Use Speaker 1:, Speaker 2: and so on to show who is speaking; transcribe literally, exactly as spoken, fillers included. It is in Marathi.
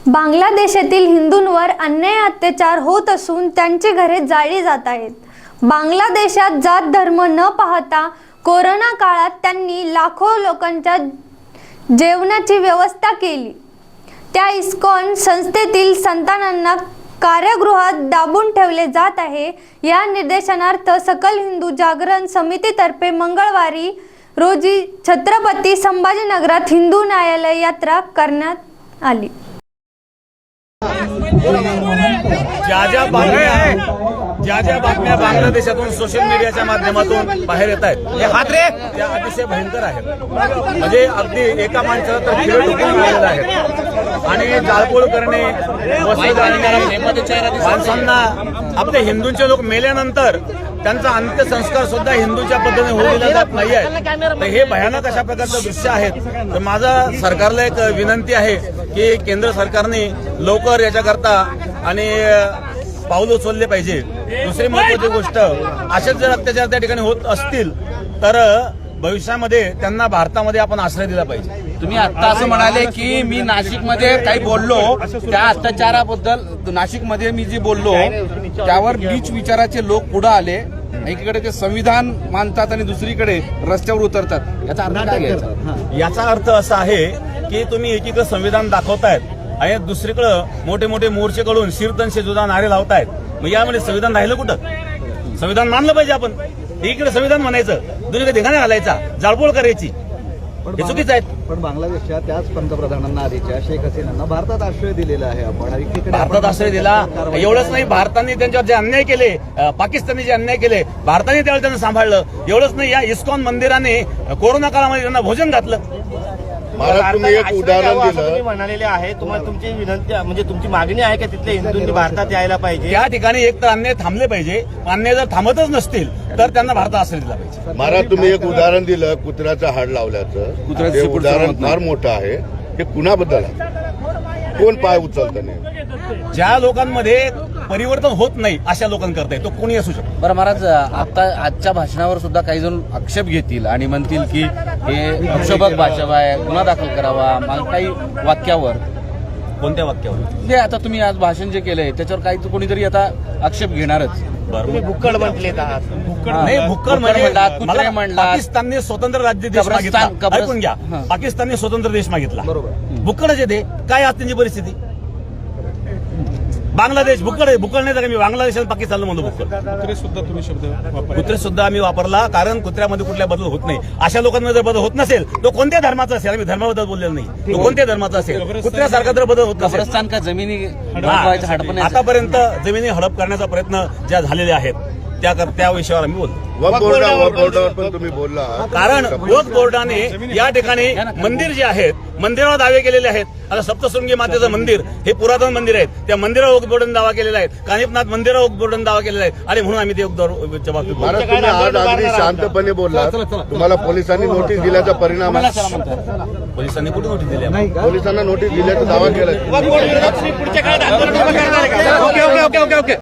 Speaker 1: बांगलादेशातील हिंदूंवर अन्याय अत्याचार होत असून त्यांची घरे जाळली जात आहेत। बांगलादेशात जात धर्म न पाहता कोरोना काळात त्यांनी लाखो लोकांच्या जेवणाची व्यवस्था केली। त्या इस्कॉन संस्थेतील संतानांना कारागृहात दाबून ठेवले जात आहे। या निर्देशनार्थ सकल हिंदू जागरण समितीतर्फे मंगळवारी रोजी छत्रपती संभाजीनगरात हिंदू न्यायालय यात्रा करण्यात आली।
Speaker 2: ज्या ज्या बातम्या ज्या ज्या बातम्या बांगलादेशातून सोशल मीडियाच्या माध्यमातून बाहेर येत आहेत त्या अतिशय भयंकर आहेत। म्हणजे अगदी एका माणसाला तर खिळ ठोकून मिळालेलं आहे आणि जाळपोळ करणे, माणसांना आपले हिंदूंचे लोक मेल्यानंतर त्यांचा अंत्यसंस्कार सुद्धा हिंदूच्या पद्धतीने होऊ दिला जात नाही आहे। तर हे भयानक अशा प्रकारचं दृश्य आहेत। तर माझा सरकारला एक विनंती आहे की केंद्र सरकारने लवकर याच्याकरता आणि पाऊल उचलले पाहिजे। दुसरी महत्वाची गोष्ट, असेच जर अत्याचार त्या ठिकाणी होत असतील तर भविष्यामध्ये त्यांना भारतामध्ये आपण आश्रय दिला पाहिजे।
Speaker 3: तुम्ही आता असं म्हणाले की मी नाशिकमध्ये काही बोललो, त्या अत्याचाराबद्दल नाशिकमध्ये मी जे बोललो त्यावर नीच विचाराचे लोक पुढे आले। एकीकडे ते संविधान मानतात आणि दुसरीकडे रस्त्यावर उतरतात। याचा अर्थ काय घ्यायचा?
Speaker 2: याचा अर्थ असा आहे की तुम्ही एकीकडे संविधान दाखवतायत आणि दुसरीकडे मोठे मोठे मोर्चे काढून शीर्तनशे जुदा नारे लावतायत। मग यामध्ये संविधान राहिलं कुठं? संविधान मानलं पाहिजे आपण। एकीकडे संविधान म्हणायचं, दुसरीकडे धिंगाणा घालायचा, जाळपोळ करायची, हे चुकीचं आहे।
Speaker 4: पण बांगलादेशच्या त्याच पंतप्रधानांना आधीच्या शेख हसीनांना भारतात आश्रय दिलेला आहे। आपण
Speaker 2: भारतात आश्रय दिला एवढंच नाही, भारताने त्यांच्यावर जे अन्याय केले, पाकिस्तानने जे अन्याय केले भारताने त्यावेळी त्यांना सांभाळलं। एवढंच नाही, या इस्कॉन मंदिराने कोरोना काळामध्ये त्यांना भोजन घातलं।
Speaker 5: मला तुम्ही एक उदाहरण दिलं,
Speaker 6: म्हणालेले आहे, तुम्हाला तुमची विनंती म्हणजे तुमची मागणी आहे की तिथले हिंदूंनी भारतात यायला पाहिजे।
Speaker 2: त्या ठिकाणी एक तर अन्याय थांबले पाहिजे, अन्याय जर थांबतच नसतील तर त्यांना भारतात आश्रय दिला पाहिजे।
Speaker 5: मला तुम्ही एक उदाहरण दिलं कुत्र्याचं हाड लावल्याचं, ते उदाहरण फार मोठं आहे। हे कुणाबद्दल आहे? कोण पाय उचलतं नाही?
Speaker 2: ज्या लोकांमध्ये परिवर्तन होत नाही अशा लोकांकरता तो कोणी असू शकतो।
Speaker 3: बरं महाराज, आता आजच्या भाषणावर सुद्धा काही जण आक्षेप घेतील आणि म्हणतील की हे प्रक्षोभक भाषा आहे, गुन्हा दाखल करावा, काही वाक्यावर।
Speaker 2: कोणत्या वाक्यावर?
Speaker 3: म्हणजे आता तुम्ही आज भाषण जे केलंय त्याच्यावर काही कोणीतरी आता आक्षेप घेणारच।
Speaker 6: भुक्कड म्हटले
Speaker 2: नाही, भुक्कड म्हणजे
Speaker 3: कुत्रे म्हणला,
Speaker 2: पाकिस्तानने स्वतंत्र राज्य देश मागितला। ऐकून घ्या, पाकिस्तानने स्वतंत्र देश मागितला, बरोबर। भुक्कडच येते काय आज त्यांची परिस्थिती? बांगलादेश भुक्कड आहे, भुक्कड नाही तर मी बांगलादेश आणि पाकिस्तानला म्हणतो भुक्कड।
Speaker 7: कुत्रे सुद्धा तुम्ही शब्द
Speaker 2: कुत्रे सुद्धा आम्ही वापरला, कारण कुत्र्यामध्ये कुठल्या बदल होत नाही। अशा लोकांमध्ये जर बदल होत नसेल तो कोणत्या धर्माचा असेल, आम्ही धर्माबद्दल बोललेलो नाही, तो कोणत्या धर्माचा असेल, कुत्र्यासारखा जर बदल होत नसेल।
Speaker 3: कब्रस्तान का जमिनी
Speaker 2: आतापर्यंत जमिनी हडप करण्याचा प्रयत्न ज्या झालेले आहेत त्या त्या विषयावर आम्ही बोलतो।
Speaker 5: वक्फ बोर्डावर पण तुम्ही बोलला,
Speaker 2: कारण वक्फ बोर्डाने या ठिकाणी मंदिर जे आहेत मंदिरावर दावे केलेले आहेत। आता सप्तशृंगी मातेचं मंदिर हे पुरातन मंदिर आहे, त्या मंदिरावर वक्फ बोर्डाने दावा केलेला आहे। कानिफनाथ मंदिरावर वक्फ बोर्डाने दावा केलेला आहे आणि म्हणून आम्ही ते जबाबदार बाबतीत बोलतो।
Speaker 5: महाराज तुम्ही आज अगदी शांतपणे बोलला, तुम्हाला पोलिसांनी नोटीस दिल्याचा परिणाम आहे?
Speaker 2: पोलिसांनी कुठे नोटीस दिली?
Speaker 5: पोलिसांना नोटीस दिल्याचा दावा केला।
Speaker 6: पुढच्या काळात आंदोलन करणार आहे का?
Speaker 3: Okay okay okay okay